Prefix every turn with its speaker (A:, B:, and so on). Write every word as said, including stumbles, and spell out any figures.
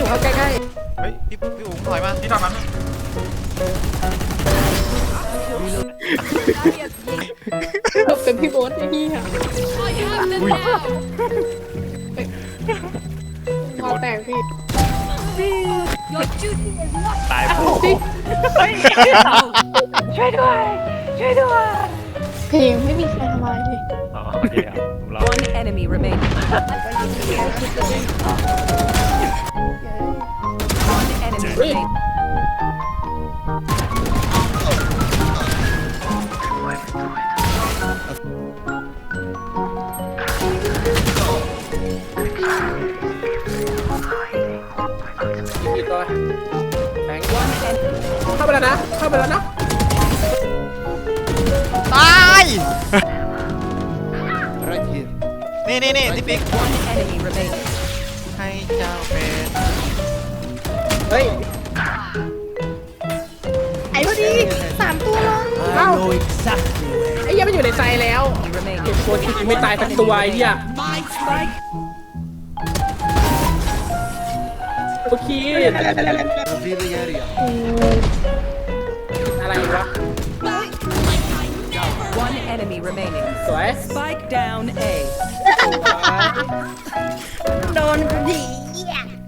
A: เข้าใกล้
B: เฮ้ยพี่พี่อุ๋งถอยมาที่ทำนั้น
A: ๆเราเป็นพี่โบ๊ทไอ้นี่ค่ะพอแตกพี่
B: ตาย
A: พี่
C: ช่วยด้วยช่วยด้วย
A: เพลงไม่มีใครทำอะไรเลย
B: อ๋อโอเคครับผมรอ
D: One enemy remaining. One enemy remaining.
A: อีกตัวแบงค์
D: One enemy.
A: เข้าไปแล้วนะเข้าไปแล้วนะ
B: ตายนี่นี่นี่ที่ปิ๊ก
D: One enemy remaining.
B: ให้เจ้าเป็น
A: เฮ้ยไอ้พอดีสามตัวลงเอ้าไอ้เหี้ยมันอยู่ในใจแล้ว
D: Remaining.
A: เก็บตัวที่ไม่ตายสักตัวไอ้เหี้ย
D: Spike.
A: โอเคอะไรวะ
D: One enemy remaining.
A: สวย
D: Spike down A.
A: โดนดี